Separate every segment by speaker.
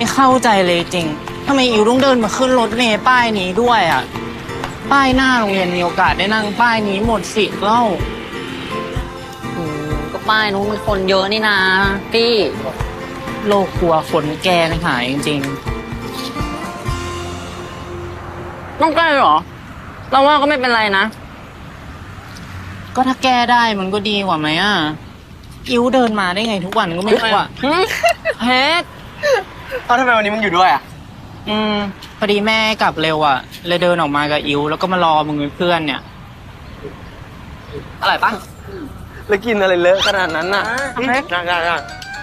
Speaker 1: ไม่เข้าใจเลยจริงทำไมอิวต้องเดินมาขึ้นรถเมล์ป้ายนี้ด้วยอ่ะป้ายหน้าโรงเรียนมีโอกาสได้นั่งป้ายนี้หมดสิทธิ์แล้ว
Speaker 2: ก็ป้ายนู้นมันคนเยอะนี่นะพี่
Speaker 1: โลกกลัวคนแก่นะหายจริง
Speaker 2: ต้องแก้เหรอเราว่าก็ไม่เป็นไรนะ
Speaker 1: ก็ถ้าแก้ได้มันก็ดีกว่าไหมอ่ะอิวเดินมาได้ไงทุกวันก็ไม่รู้อ่ะ
Speaker 2: เฮ็ด
Speaker 3: ทำไมวันนี้มึงอยู่ด้วยอ่ะ
Speaker 1: พอดีแม่กลับเร็วอ่ะเลยเดินออกมากับอิวแล้วก็มารอมึงเป็นเพื่อนเนี่ย
Speaker 2: อร่อยปะ
Speaker 3: แล้วกินอะไรเลอะขนาดนั้นน่ะได้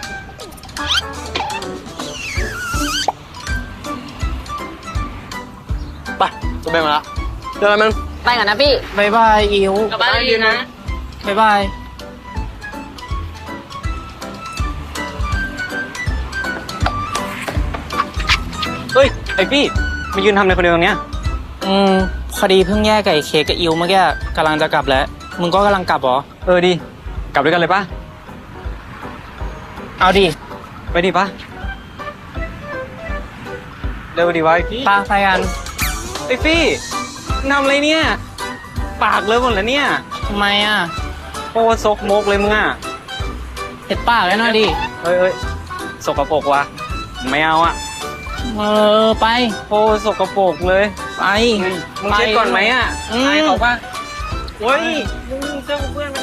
Speaker 3: ไปตัวเบงมาละเจอกันมึง
Speaker 2: ไปกันนะพี่
Speaker 1: บายบายอิว
Speaker 2: กลับบ้านดีนะ
Speaker 1: บายบาย
Speaker 3: เฮ้ยไอพี่มายืนทำอะไรคนเดียวตรงเนี้ย
Speaker 1: พอดีเพิ่งแยกไก่เค้กกับอิวเมื่อกี้กำลังจะกลับแล้วมึงก็กำลังกลับเหรอ
Speaker 3: ดีกลับด้วยกันเลยปะ
Speaker 1: เอาดิ
Speaker 3: ไปดิปะเร็วดิวะไอพี่
Speaker 1: ปาไปกัน
Speaker 3: ไอพี่ทำอะไรเนี่ยปากเลอะหมดแล้วเนี่ย
Speaker 1: ทำไมอ่ะ
Speaker 3: โอ้ซกมกเลยมึงอ่ะ
Speaker 1: เห็ดปากแล้วหน่อยดิ
Speaker 3: เฮ้ยสกปรกว่ะไม่เอาอ่ะ
Speaker 1: ไป
Speaker 3: โอ้สกปรกเลย
Speaker 1: ไป
Speaker 3: มึงเช็ดก่อนไหมอ่ะ
Speaker 1: ไอ้เขาป่ะ
Speaker 3: เฮ้ยมึงเจอเพื่อนไหม